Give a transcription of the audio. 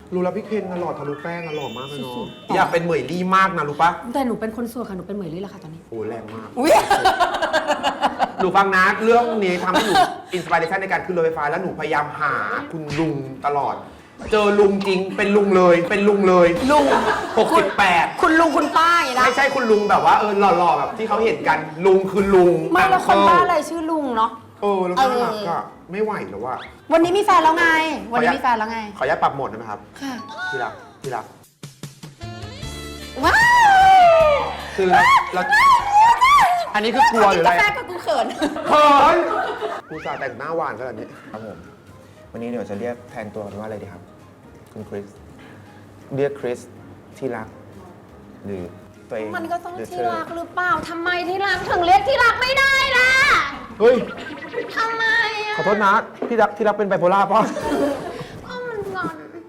รู้แล้วพี่เคนน่ะหล่อทะลุแป้งน่ะหล่อมากเลยเนาะอยากเป็นเหมยลี่มากนะรู้ปะแต่หนูเป็นคนโสดค่ะหนูเป็นเหมยลี่แหละค่ะตอนนี้โอ้แรงมากอุ้ยหนูฟังนะเรื่องนี้ทำให้หนูอินสปิเรชันในการขึ้นรถไฟฟ้าแล้วหนูพยายามหาคุณลุงตลอด เจอลุงจริงเป็นลุงเลยเป็นลุงเลยลุง 68 คุณลุงคุณป้าอย่างนี้นะไม่ใช่คุณลุงแบบว่าหล่อๆแบบที่เขาเห็นกันลุงคือลุงไม่แล้วคนบ้าอะไรชื่อลุงเนาะแล้วน่ารักอะไม่ไหวแล้วว่าวันนี้มีแฟนแล้วไง วันนี้มีแฟนแล้วไงขออนุญาตปรับโหมดได้ไหมครับค่ะที่รักที่รักว้าวคือเราอันนี้คือกลัวหรืออะไรกาแฟกับกูเขินเขินกูสาแต่งหน้าหวานขนาดนี้ครับผมวันนี้เดี๋ยวจะเรียกแทนตัวกันว่าอะไรดีครับคุณคริสเรียกคริสที่รักหรือตัวเองมันก็ต้องหรืที่เธอรักหรือเปล่าทำไมที่รักถึงเรียกที่รักไม่ได้ล่ะเฮ้ยทำไมอ่ะขอโทษนะพี่รักเป็นไบโพล่าป่ะ